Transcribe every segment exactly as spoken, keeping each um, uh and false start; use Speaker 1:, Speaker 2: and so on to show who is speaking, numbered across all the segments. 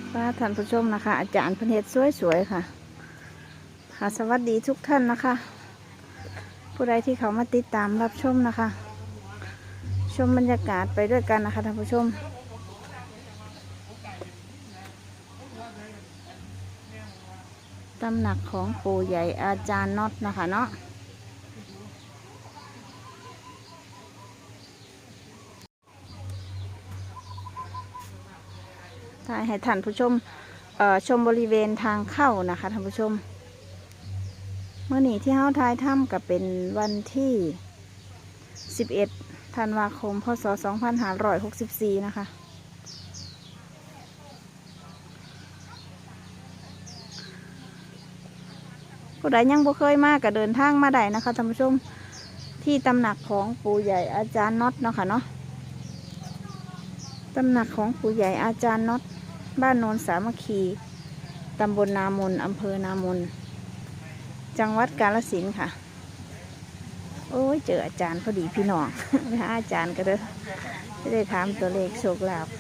Speaker 1: ค่ะท่านผู้ชมนะคะอาจารย์พเนตรสวยๆค่ะค่ะสวัสดีทุกท่านนะคะ ผู้ใดที่เขามาติดตามรับชมนะคะ ชมบรรยากาศไปด้วยกันนะคะท่านผู้ชมตำหนักของปู่ใหญ่อาจารย์น็อตนะคะเนาะถ่ายให้ท่านผู้ชมชมบริเวณทางเข้านะคะท่านผู้ชมเมื่อนี้ที่เฮาทายถ้ำกับเป็นวันที่สิบเอ็ดธันวาคมพศสองพันห้าร้อยหกสิบสี่นะคะผู้ใดยังบ่เคยมาก็เดินทางมาได้นะคะท่านผู้ชมที่ตำหนักของปู่ใหญ่อาจารย์น็อตเนาะค่ะเนาะตำหนักของปู่ใหญ่อาจารย์น็อตบ้านโนนสามัคคีตำบลนามนอำเภอนามนจังหวัดกาฬสินธุ์ค่ะโอ้ยเจออาจารย์พอดีพี่น้องไปหาอาจารย์ก็เด้อจะได้ถามตัวเลขโชคลาภ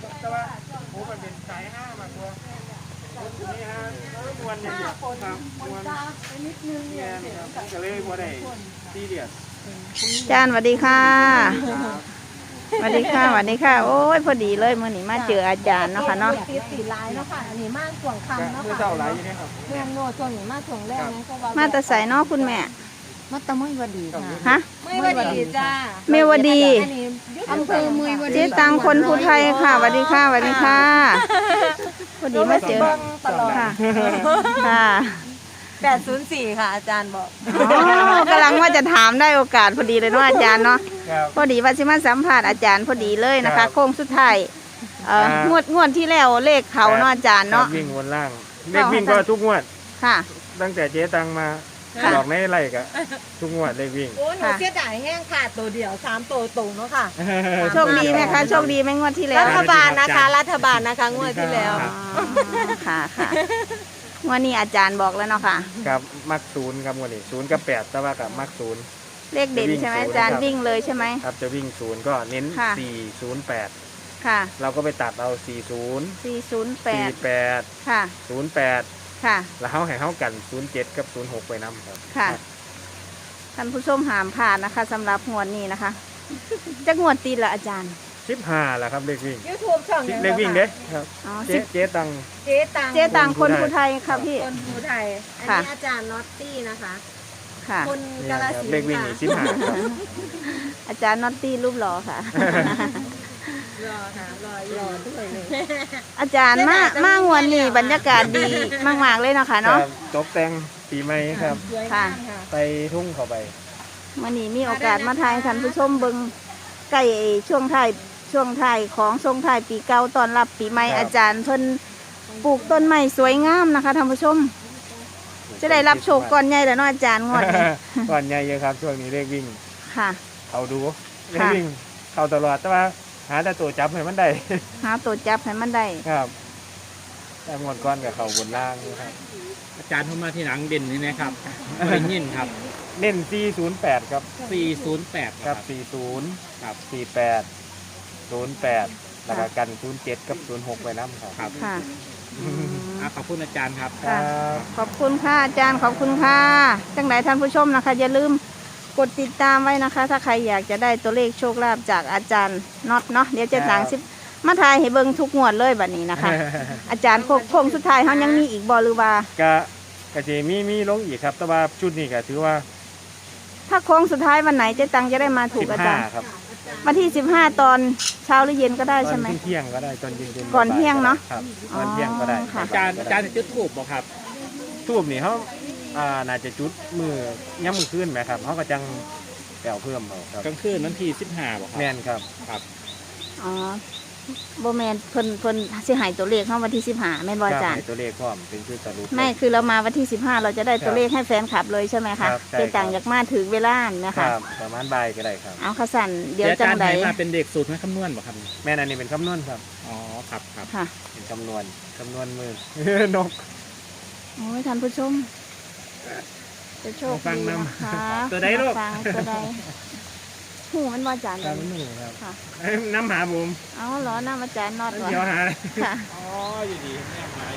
Speaker 1: อาจารย์สวัสดีค่ะสวัสดีค่ะสวัสดีค่ะโอ้ยพอดีเลยเมื่อนี้มาเจออาจารย์เนาะค่ะเนาะ
Speaker 2: ติดสีลายเนาะค่ะอันนี้มาส่วงคำเนาะค่ะเมืองโนส่วนนี้มาส่วงแรกนะก็ว่า
Speaker 1: มาแต่ใส่เนาะคุณแม่
Speaker 2: มาตะมุยวดีค่ะ
Speaker 1: ฮะ
Speaker 2: มุยวดีจ้า
Speaker 1: เมวดี
Speaker 2: อำเภอมุยวดี
Speaker 1: เจ๊ตังคนภูไทยค่ะสวัสดีค่ะสวัสดีค่ะพอดีมาเจอค่ะค่ะ
Speaker 2: แปดศูนย์สี่ค่ะอาจารย์บอก
Speaker 1: กำลังว่าจะถามได้โอกาสพอดีเลยเนาะอาจารย์เนาะพอดีว่าสิมาสัมภาษณ์อาจารย์พอดีเลยนะคะโค้งสุดท้ายงวดงวดที่แล้วเลขเขาเนาะอาจารย์เนาะ
Speaker 3: วิ่งวนล่างเลขวิ่งก็ทุกงวด
Speaker 1: ค่ะ
Speaker 3: ตั้งแต่เจ๊ตังมาหลอกในไรกะทุกงวดเลขวิ่ง
Speaker 2: โอ้หนูเสียดายแห้งขาดตัวเดียวสามตัวตรงเนาะค่ะ
Speaker 1: โชคดีไหมคะโชคดีไหมงวดที่แล้ว
Speaker 2: รัฐบาลนะคะรัฐบาลนะคะงวดที่แล้ว
Speaker 1: ค่ะค่ะวันนี้อาจารย์บอกแล้วเนาะค่ะ
Speaker 3: ครับมักศูนย์ครับวันนี้ศูนย์กับแปดแต่ว่ากับมักศูนย์
Speaker 1: เลขเด่นใช่ไหมอาจารย์วิ่งเลยใช่ไหม
Speaker 3: ครับจะวิ่งศูนย์ก็เน้นสี่ศูนย์แปด
Speaker 1: ค่ะ
Speaker 3: เราก็ไปตัดเอาสี่ศูนย์
Speaker 1: สี่ศูนย์แปด
Speaker 3: สี่แปด
Speaker 1: ค่ะ
Speaker 3: ศูนย์แปด
Speaker 1: ค่ะ
Speaker 3: แล้วเขาให้เขากันศูนย์เจ็ดกับศูนย์หกไปน้ำครับ
Speaker 1: ค่ะท่านผู้ชมหามผ่านนะคะสำหรับงวดนี้นะคะจะงวดตีละอาจารย์
Speaker 3: สิบห้าแหละครับเลขวิ่ง
Speaker 2: ยูทูบช่อง
Speaker 3: เลขวิ่งเด้ครับเจ๊เจ๊ตัง
Speaker 2: เจ๊ตัง
Speaker 1: เจ๊ตังคนภูไทยค่ะพี่
Speaker 2: คนภูไทยอันนี้อาจารย์น็อตตี้นะคะ
Speaker 1: ค่ะ
Speaker 2: คนกาฬสินธุ์
Speaker 3: เลขวิ่งสิบห้าครับ
Speaker 1: อาจารย์น็อตตี้รูปหล่อค่ะ
Speaker 2: รอค่ะรอรอด้วยเลย
Speaker 1: อาจารย์มากมากวันนี้บรรยากาศดีมากๆเลยนะคะเนาะ
Speaker 3: ตกแต่งปีใหม่ครับ
Speaker 1: ค่ะ
Speaker 3: ไปทุ่งเข้าไป
Speaker 1: วันนี้มีโอกาสมาถ่ายท่านผู้ชมเบิ้งใกล้ช่วงท้ายช่วงท้ายของช่วงท้ายปีเก่าตอนรับปีใหม่อาจารย์เพิ่นปลูกต้นไม้สวยงามนะคะท่านผู้ชมจะได้รับโชคก่อนใหญ่แล้วเนาะอาจารย์งวดนี้
Speaker 3: ก่อนใหญ่เยอะครับช่วงนี้เลขวิ่ง
Speaker 1: ค่ะ
Speaker 3: เอาดูเลขวิ่งเข้าตลอดแต่ว่าหาแต่ตัวจับให้มันได้
Speaker 1: หาตัวจับให้มันได้
Speaker 3: ครับแต่งวดก้อนกับเขาบนล่างครับ
Speaker 4: อาจารย์เข้ามาที่หลังเด่นนี่นะครับเป็นยินครับ
Speaker 3: เน้นสี่ศูนย์แปดครับ
Speaker 4: สี่ศูนย์แปด
Speaker 3: ครับสี่ศูนย์ครับสี่แปดศูนย์แปดแล้วก็กันศูนย์เจ็ดกับศูนย์หกไปน้ำครับ
Speaker 1: ค่ะ
Speaker 4: ขอบคุณอาจารย์ครับ
Speaker 1: ขอบคุณค่ะอาจารย์ขอบคุณค่ะจังไหนท่านผู้ชมนะคะอย่าลืมกดติดตามไว้นะคะถ้าใครอยากจะได้ตัวเลขโชคลาภจากอาจารย์น็อตเนาะเดี๋ยวจะหลังสิบมาทายให้เบิ่งทุกงวดเลยแบบนี้นะคะอาจารย์โค้งสุดท้ายเขายังมีอีกบอหรือว่าก
Speaker 3: ะกะจะมีมีลงอีกครับแต่ว่าชุดนี้ก็ถือว่า
Speaker 1: ถ้าโค้งสุดท้ายวันไหนเจ๊ตังจะได้มาถูกอาจารย์วันที่สิบห้าตอนเช้าหรือเย็นก็ได้ใช่ไหม
Speaker 3: ตอนเที่ยงก็ได้ตอนเย็น
Speaker 1: ก่อนเที่ยงเนาะ
Speaker 3: ครับก่อนเที่ยงก็ได้
Speaker 4: อาจารย์อาจารย์จะจุดทูบบ่ครับ
Speaker 3: ทูบนี่เขาอ่าน่าจะจุดมือย่ำมือขึ้นไหมครับเขาก็จังแปลวเพิ่มเอาครับ
Speaker 4: กลางคืนวันที่สิบห้าบ่ครับ
Speaker 3: แม่นครับ
Speaker 4: ครับ
Speaker 1: อ๋อโบแมนเพิ่นเพิ่นสิหายตัวเลขเข้าวันที่สิบห้าแม่นบ่อาจารย์
Speaker 3: ตัวเลขพร้อมเป็นชื่อสรุป
Speaker 1: ไม่คือเรามาวันที่สิบห้าเราจะได้ตัวเลขให้แฟนคลับเลยใช่ไหมคะเป็นต่างจากมาถึงเวลานะคะ
Speaker 3: ประมาณบ่ายก็ได้ครับ
Speaker 1: เอาขสันเดี๋ยวจัง
Speaker 4: ไดมาเป็นเด็กสูตรให้คำนวณบ่ครับ
Speaker 3: แม่นอันนี้เป็นคำนวณครับ
Speaker 4: อ๋อครับครับ
Speaker 1: ค่ะ
Speaker 3: เป็นคำนวณคำนวณมือนก
Speaker 1: โอ้ยท่านผู้ชมจะโชค
Speaker 3: ฟังน
Speaker 1: ำ
Speaker 3: ตัวใดลูก
Speaker 1: ตัวใดหูมันว่าอาจารย์
Speaker 3: ครับหนูครับน้ำหาบุ๋ม
Speaker 1: อ๋อเหรอน้ำอาจารย์นอด
Speaker 3: เดี๋ยวหา
Speaker 1: ค่ะ
Speaker 4: อ๋ออยู่ดี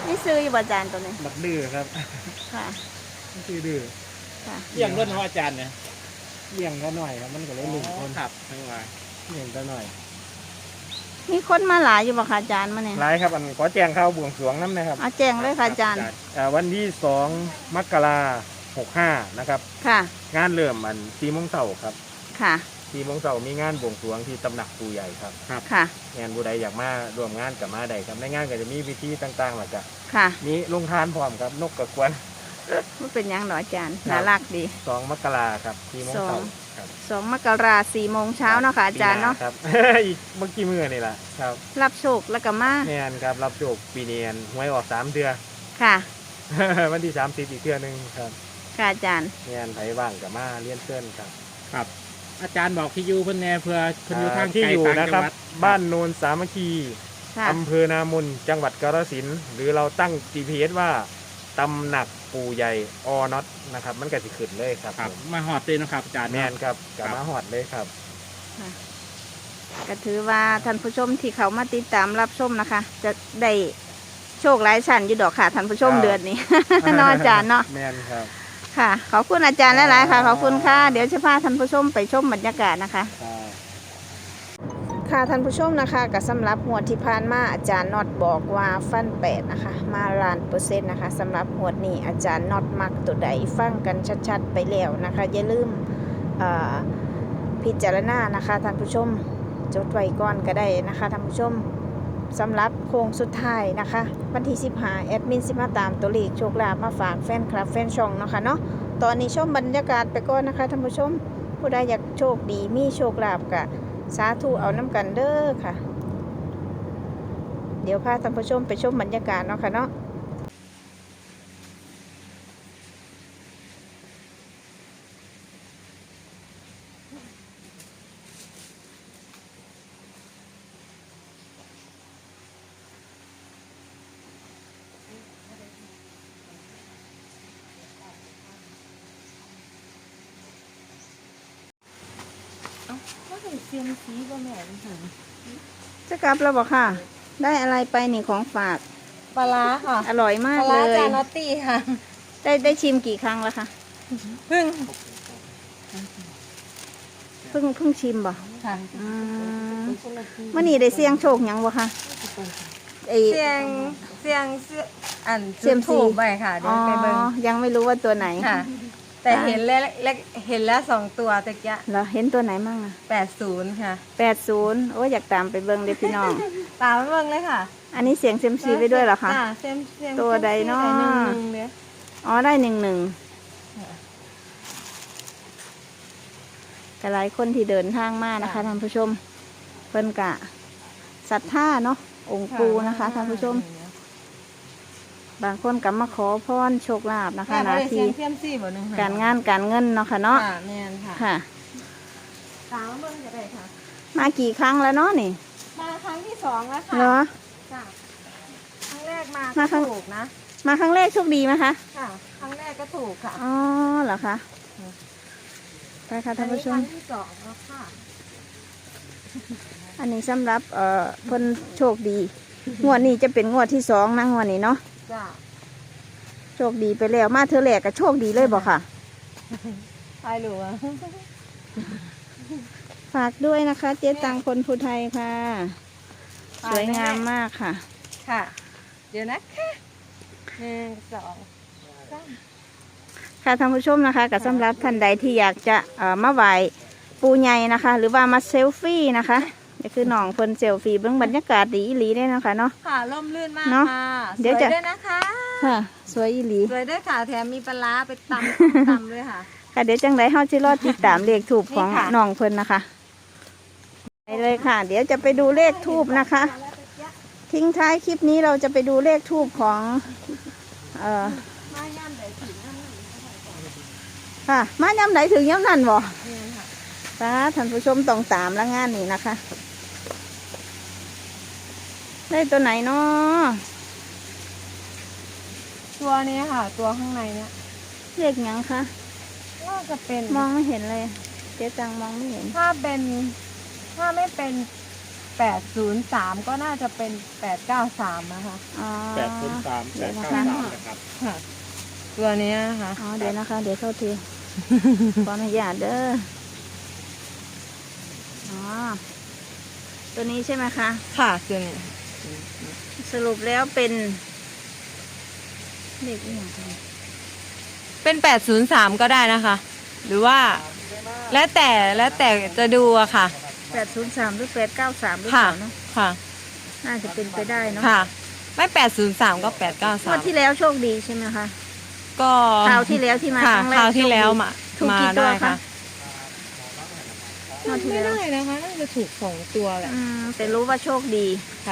Speaker 1: นี่ซื้ออยู่บ่อาจารย์ตัวนี้
Speaker 3: บักดื้อครับ
Speaker 1: ค่ะ
Speaker 3: ชื่อดื้อ
Speaker 1: ค่ะ
Speaker 4: เลี้ยงรถของอาจารย์เนี่ย
Speaker 3: เลี้ยงก็หน่อยครับมันก็เลยลุ่มคน
Speaker 4: ครับทั้งว่า
Speaker 3: เลี้ยงก็หน่อย
Speaker 1: มีคนมาหลายอยู่บ่ค่ะอาจารย์มาเนี่ย
Speaker 3: หลายครับอันขอแจ้งข่าวบวงสรวงน้ำนะครับ
Speaker 1: เอาแจ้งเลยค่ะอาจารย์
Speaker 3: อ่าวันที่สองมกราหกห้านะครับ
Speaker 1: ค่ะ
Speaker 3: งานเริ่มอันสี่โมงเช้าครับ
Speaker 1: ค่ะ
Speaker 3: สี่โมงเช้ามีงานบวงสรวงที่ตำหนักปู่ใหญ่ครับ
Speaker 1: ค่ะ
Speaker 3: งานผู้ใดอยากมาร่วมงานกับมาใดครับในงานก็จะมีพิธีต่างๆหลักจะ
Speaker 1: ค่ะ
Speaker 3: มีลงทานพร้อมครับนกกระกวน
Speaker 1: ว่าเป็นหยังหรออาจารย์
Speaker 3: ครับ
Speaker 1: น่ารักดี
Speaker 3: สองมกราครับสี่โมง
Speaker 1: สอ
Speaker 3: เช้าง ครับ
Speaker 1: สองมกราสี่โมงเช้าเนาะค่ะอาจารย์เนาะ
Speaker 3: ปีหครับ อีกเมื่อกี้มือนี่แหละครับ
Speaker 1: รับโชคแล้วก็มา
Speaker 3: แมนครับรับโชคปีเนียนหวยออกสามเดือน
Speaker 1: ค่ะ
Speaker 3: วันที่สามสิบอีกเทื่อหนึงครับ
Speaker 1: ค่ะอาจารย์
Speaker 3: แมนไผว่างกับมาเลี้ยนเส้นครับ
Speaker 4: ครับ อาจารย์บอกที่อยู่เพิ่นแน่เพื่อเพิ่นอยู่ทาง
Speaker 3: ที่
Speaker 4: ไกล
Speaker 3: อยู่
Speaker 4: ต่าง
Speaker 3: นะ
Speaker 4: จัง
Speaker 3: ครับ
Speaker 4: หวัด
Speaker 3: บ้านโนนสามัคคี
Speaker 1: ค่ะ
Speaker 3: อำเภอนามนจังหวัดกาฬสินธุ์หรือเราตั้ง จี พี เอส ว่าตำหนักปู่ใหญ่อน็อตนะครับ มันก็สิขึ้นเลยครับ
Speaker 4: ครับ
Speaker 3: ผม
Speaker 4: มาหอดเลยเนาะครับอาจารย์
Speaker 3: แม
Speaker 4: เนาะ
Speaker 3: นครับกับ
Speaker 4: ครับ
Speaker 3: มาหอดเลยครับ
Speaker 1: ก็ถือว่าท่านผู้ชมที่เขามาติดตามรับชมนะคะ จะได้โชคหลายชั้นอยู่ดอกค่ะท่านผู้ชม
Speaker 3: ครับ
Speaker 1: เดือนนี้ เนาะอาจารย์เนาะ
Speaker 3: แมนครับ
Speaker 1: ค่ะ ขอบคุณอาจารย์หลายๆค่ะ
Speaker 3: ครับ
Speaker 1: ขอบคุณค่ะ เดี๋ยวจะพาท่านผู้ชมไปชมบรรยากาศนะคะ
Speaker 3: ครับ
Speaker 1: ค่ะท่านผู้ชมนะคะกับสำหรับหวดที่ผ่านมาอาจารย์น็อตบอกว่าฟันแปดนะคะมาล้านเปอร์เซ็นต์นะคะสำหรับหวดนี้อาจารย์น็อตมักตัวใดฟังกันชัดๆไปแล้วนะคะอย่าลืมเอ่อพิจารณานะคะท่านผู้ชมจดไว้ก่อนก็ได้นะคะท่านผู้ชมสำหรับโค้งสุดท้ายนะคะวันที่สิบห้าแอดมินสิมาตามตัวเลขโชคลาภมาฝากแฟนคลับแฟนช่องเนาะค่ะเนาะตอนนี้ชมบรรยากาศไปก่อนนะคะท่านผู้ชมผู้ใดอยากโชคดีมีโชคลาภกะสาธุเอาน้ำกันเด้อค่ะ เดี๋ยวพาท่านผู้ชมไปชมบรรยากาศเนาะค่ะเนาะ
Speaker 2: ก็ถึงเซียมซีก็แม่นค่ะ
Speaker 1: จะกลับแล้วบอกค่ะ ได้อะไรไปนี่ของฝาก
Speaker 2: ปลาร้าค่ะ
Speaker 1: อร่อยมา
Speaker 2: ป
Speaker 1: ก
Speaker 2: ลา
Speaker 1: เล
Speaker 2: ร้าย จานอตตี้ค่ะ
Speaker 1: ได้ได้ชิมกี่ครั้งแล้วคะ
Speaker 2: เพิ่ง
Speaker 1: เพิ่งเพิ่งชิมบ่
Speaker 2: ค่ะ
Speaker 1: อืมมื่อนี้ได้เสี่ยงโชคหยังบ่คะไอ
Speaker 2: เสียงเสียงเสียงอัน
Speaker 1: เซียมซี
Speaker 2: ถูกไปค่ะเดี๋
Speaker 1: อ๋
Speaker 2: ย
Speaker 1: อ
Speaker 2: วไปเบิ่ง
Speaker 1: ยังไม่รู้ว่าตัวไหน
Speaker 2: ค่ะ แต่เห็นแล้วแล้วเห็นแล้วสองตัวตะกี้
Speaker 1: เหรอเห็นตัวไหนมั่งอะ
Speaker 2: แปดศูนย์ค่ะ
Speaker 1: แปดศูนย์โอ้ยอยากตามไปเบิ่งเลยพี่น้อง
Speaker 2: ตามไปเบิ่งเลยค่ะ
Speaker 1: อันนี้เสียงเซยมซีไปด้วยเหรอคะ
Speaker 2: จ้าเซียมเซียม
Speaker 1: ตัวใดเนาะ
Speaker 2: หนึ่งหนึ่งเนี่ย
Speaker 1: อ๋อได้หนึ่งหนึ่งแต่หลายคนที่เดินทางมานะคะท่านผู้ชมเพิ่นกะศรัทธาเนาะองค์ปูนะคะท่านผู้ชม บางคนก็มาขอพรโชคลาภนะคะห
Speaker 2: แม่
Speaker 1: นา
Speaker 2: บ่ได้เสี
Speaker 1: ที
Speaker 2: ยงเซียมซีบ่หนึ่งค่ะ
Speaker 1: การงานการเงินเนาะค่ะเนาะ
Speaker 2: ค่ะแม่นค่ะ
Speaker 1: ค่ะ
Speaker 2: ตามเบิ่งจะได้ค่ะ
Speaker 1: มากี่ครั้งแล้วเนาะนี่
Speaker 2: มาครั้งที่สองแล้วค่ะ
Speaker 1: เหรอ
Speaker 2: จ้ะครั้งแรกมา
Speaker 1: มา
Speaker 2: ก็
Speaker 1: ครั้ง
Speaker 2: ถูกนะ
Speaker 1: มาครั้งแรกโชคดีไหมคะ
Speaker 2: ค่ะ ครั้งแรกก็ถูกค่ะ
Speaker 1: อ๋อเหรอคะไปค่ะท่านผู้ช
Speaker 2: อั
Speaker 1: ม
Speaker 2: นนี้ครั้งที่สองแล้วค่ะ
Speaker 1: อันนี้สำหรับเอ่อเพิ่นโชคดี งวดนี้จะเป็นงวดที่สองนะงวดนี้เนาะ
Speaker 2: จ้ะ
Speaker 1: โชคดีไปแล้วมาเธอแหลกก็โชคดีเลยบอกค่ะ
Speaker 2: ทายหลัว
Speaker 1: ฝากด้วยนะคะ เจ๊ตังคนภูไทยค่ะ สวยงามมากค่ะ
Speaker 2: ค่ะ เดี๋ยวนะคะหนึ่งสองสาม
Speaker 1: ค่ะท่านผู้ชมนะคะกับสำหรับท่านใดที่อยากจะเอ่อมาไหว้ปูใหญ่นะคะ หรือว่ามาเซลฟี่นะคะก็คือน้องคนเซลฟี่เบื้องบรรยากาศดีอีหลีได้นะคะเนาะ
Speaker 2: ค่ะร่มรื่นมาก
Speaker 1: เนอะ
Speaker 2: ค่ะ
Speaker 1: เดี๋ยว
Speaker 2: ส
Speaker 1: จะ
Speaker 2: วยด้วยนะคะ
Speaker 1: ค่ะ สวยอีหลี
Speaker 2: สวยด้วยค่ะ แถมมีปลาร้าไปตำ ตำด้วยค่ะ
Speaker 1: ค่ะเดี๋ยวจังไรเฮาจะรอติดตามเลขทูบของ
Speaker 2: นี่ค่ะ
Speaker 1: น้องเพิ่นนะคะไปเลยค่ะ เดี๋ยวจะไปดูเลขทูบนะคะ ทิ้งท้ายคลิปนี้เราจะไปดูเลขทูบของเอ่อ
Speaker 2: มาย่ำใดถึงย่ำนั้น
Speaker 1: ค่ะ มาย้ำไหนถึงย้ำนั่นบ่
Speaker 2: นี่ค่ะ
Speaker 1: ป้าท่านผู้ชมต้องตามแล้วงานนี้นะคะ ได้ตัวไหนเนาะ
Speaker 2: ตัวนี้ค่ะ ตัวข้างในเนี้ย
Speaker 1: เลขหยังคะ
Speaker 2: น่าจะเป็น
Speaker 1: มองไม่เห็นเลย เจ๊จังมองไม่เห็น
Speaker 2: ถ้าเป็น ถ้าไม่เป็นแปดศูนย์สามก็น่าจะเป็นแปดเก้าสามนะคะ
Speaker 1: อ๋อ
Speaker 4: แปดศูนย์สามแปดเก้าสามนะครับ
Speaker 2: ค่ะ ตัวเนี้ยนะคะ
Speaker 1: อ๋อเดี๋ยวนะคะ เดี๋ยวเข้าที ขออนุญาตเด้ออ๋อตัวนี้ใช่ไหมคะ
Speaker 2: ค่ะตัวนี้
Speaker 1: สรุปแล้วเป็นเลขอหย่างไร
Speaker 2: เป็นแปดศูนย์สามก็ได้นะคะ หรือว่า แล้วแต่แล้วแต่จะดูอะค่ะ
Speaker 1: แปดศูนย์สามหรือแปดเก้าสามหรือเป
Speaker 2: ค่ะ
Speaker 1: ล่าเนาะ
Speaker 2: ค่ะ
Speaker 1: น่าจะเป็นไปได้เนาะ
Speaker 2: ค่ะ ไม่แปดศูนย์สามก็แปดเก้าสาง
Speaker 1: ว
Speaker 2: ม
Speaker 1: ดที่แล้วโชคดีใช่ไหมคะ
Speaker 2: ก็
Speaker 1: คราวที่แล้วที่มา
Speaker 2: ค่ะ
Speaker 1: ครั้งแรก
Speaker 2: คราวที่แล้ว
Speaker 1: โชคดี
Speaker 2: มา
Speaker 1: ถูก
Speaker 2: มา
Speaker 1: กี่ตัว
Speaker 2: ได้
Speaker 1: คะ
Speaker 2: ค่ะ
Speaker 1: งวดที่
Speaker 2: ไม่
Speaker 1: แล้ว
Speaker 2: ได้นะคะน่าจะถูกสองตัวแหละ
Speaker 1: อืมแต่รู้ว่าโชคดี
Speaker 2: ค่ะ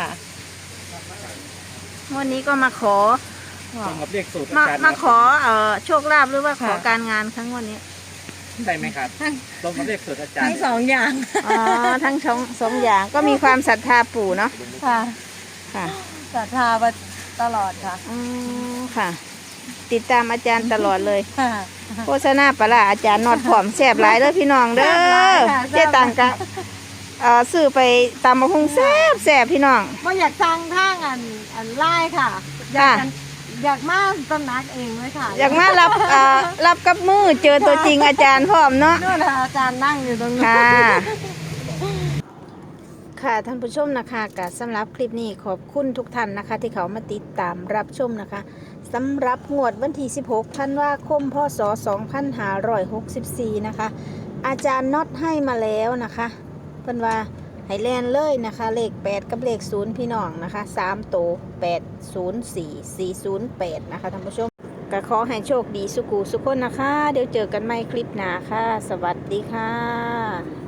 Speaker 1: วันนี้ก็มาขอ
Speaker 4: ตรงกับเลขสูตร
Speaker 1: มา
Speaker 4: อาจารย์
Speaker 1: มาขอเอ่อโชคลาภหรือว่าขอ
Speaker 2: ค่ะ
Speaker 1: การงานครั้งวันนี้
Speaker 4: ใช่ไหมครับตรงกับเลขสูตรอาจาร
Speaker 2: ทั้
Speaker 4: ย์
Speaker 2: งสองอย่าง
Speaker 1: อ๋อทั้งสองสองอย่างก็มีความศรัทธาปู่เนาะ
Speaker 2: ค่ะ
Speaker 1: ค่ะ
Speaker 2: ศรัทธามาตลอดค่ะ
Speaker 1: อืมค่ะ ติดตามอาจารย์ตลอดเลย
Speaker 2: ค่ะ
Speaker 1: โฆษณาปลาร้าอาจารย์นอดผอมแสบหลายเด้อพี่น้องเด้
Speaker 2: แซ่บหลา
Speaker 1: อย
Speaker 2: ค่ะ
Speaker 1: เจ๊ตังกะเอ่อซื้อไปตำมะฮุงแซ่บแสบพี่น้อง
Speaker 2: ว่าอยากสร้างทางอันอันไล่ค่ะ อยากกันอยากมาตำหนักเองเลยค่ะ
Speaker 1: อยากมารับเอ่อรับกับมือเจอตัวจริงอาจารย์พร้อมเนาะ
Speaker 2: นู่นนะคะอาจารย์นั่งอยู่ตรงนู้น
Speaker 1: ค่ะ ค่ะท่านผู้ชมนะคะกับสำหรับคลิปนี้ขอบคุณทุกท่านนะคะ ที่เขามาติดตามรับชมนะคะสำหรับงวดวันที่สิบหกธันวาคมพศสองพันห้าร้อยหกสิบสี่นะคะ อาจารย์น็อตให้มาแล้วนะคะเพิ่นว่าให้แลนเลยนะคะ เลขแปดกับเลขศูนย์พี่น้องนะคะสามโตแปดศูนย์สี่ สี่ศูนย์แปดนะคะท่านผู้ชมก็ขอให้โชคดีสุกูสุขคนนะคะ เดี๋ยวเจอกันใหม่คลิปหน้าค่ะ สวัสดีค่ะ